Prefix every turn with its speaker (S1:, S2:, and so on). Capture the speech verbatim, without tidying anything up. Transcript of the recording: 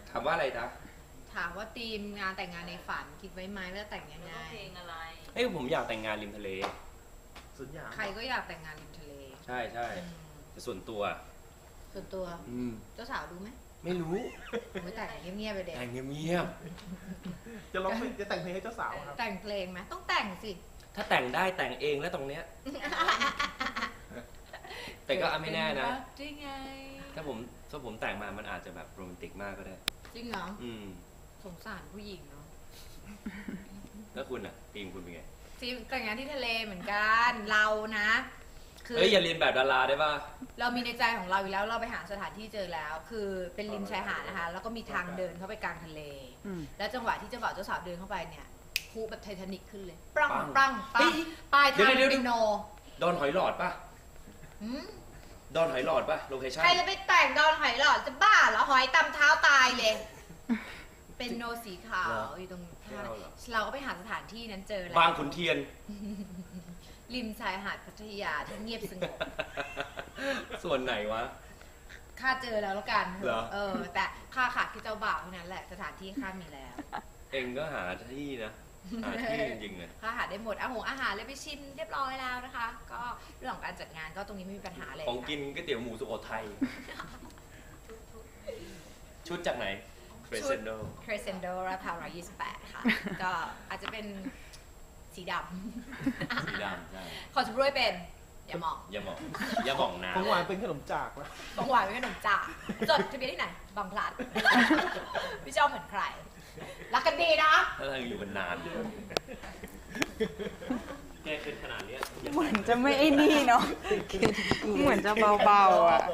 S1: ถามว่าอะไรจ๊ะ
S2: ถามว่าธีมงานแต่งงานในฝันคิดไว้ไหมแล้วแต่งยังไง
S3: เพลงอะไร
S1: เอ้ยผมอยากแต่งงานริมทะเล
S4: สุดยอด
S2: ใครก็อยากแต่งงานริมทะเล
S1: ใช่ใช่แต่ส่วนตัว
S2: ส่วนตัว
S1: อืม
S2: เจ้าสาวดูไหม
S1: ไม่รู้
S2: ไม่แต่งเงียบๆไปเด็ก
S1: แต่งเงียบ
S4: จะร้องเพลงจะแต่งเพลงให้เจ้าสาวครับ
S2: แต่งเพลงไหมต้องแต่งสิ
S1: ถ้าแต่งได้แต่งเองแล้วตรงเนี้ยแต่ก็ไม่แน่นะ
S2: จริงไง
S1: ถ้าผมถ้าผมแต่งมามันอาจจะแบบโรแมนติกมากก็ได้
S2: จริงเหรอ
S1: อืม
S2: สงสารผู้หญิงเนาะ
S1: แล้วคุณอ่ะทีมคุณเป็นไง
S2: ทีมแต่งงานที่ทะเลเหมือนกันเรานะ
S1: เฮ้ยอย่าเรียนแบบดาราได้ป่ะ
S2: เรามีในใจของเราอยู่แล้วเราไปหาสถานที่เจอแล้ว คือเป็นริมชายหาดนะคะแล้วก็มีทางเดินเข้าไปกลางทะเลแล้วจังหวะที่เจ้าบ่าวเจ้าสาวเดินเข้าไปเนี่ยพูแบบไททานิคขึ้นเลยปรังปรังปังปลายทางเป็นโน
S1: ดอนหอยหลอดป่ะดอนหอยหลอดป่ะโลเคชั่น
S2: ใครจะไปแต่งดอนหอยหลอดจะบ้าเหรอหอยตำเท้าตายเลยเป็นโนสีขาวอยู่ตรงท่าเราก็ไปหาสถานที่นั้นเจอแล้ว
S1: บางขุนเทียน
S2: ริมชายหาดพัทยาที่เงียบสงบ
S1: ส่วนไหนวะ
S2: ข้าเจอแล้วแล้วกันเออแต่ข้าขาดที่เจ้าบ่าวเท่านั้นแหละสถานที่ข้ามีแล้ว
S1: เองก็หาที่นะหาที่จริงๆเลย
S2: ข้าหาได้หมดอาหงอาหารเลยไปชิมเรียบร้อยแล้วนะคะก็เรื่องของการจัดงานก็ตรงนี้ไม่มีปัญหาเลย
S1: ของกินก๋วยเตี๋ยวหมูสุโขทัยชุดจากไหน Crescendo
S2: Crescendo ราคาหนึ่งร้อยยี่สิบแปดค่ะก็อาจจะเป็นสีดำ
S1: สีดำใช่
S2: ขอชุบด้วยเป็นอย่ามอง
S1: อย่ามองอย่ามองนะ
S4: ของหวานเป็นขนมจากนะ
S2: ของหวานเป็นขนมจากจดทะเบียนที่ไหนบางพลัดพี่ชอบเหมือนใครรักกันดีนะ
S1: ถ้าเราอยู่กันนานแกขึ้นขนาดนี้
S5: เหมือนจะไม่ไอ้นี่เนาะเหมือนจะเบาๆอ่ะ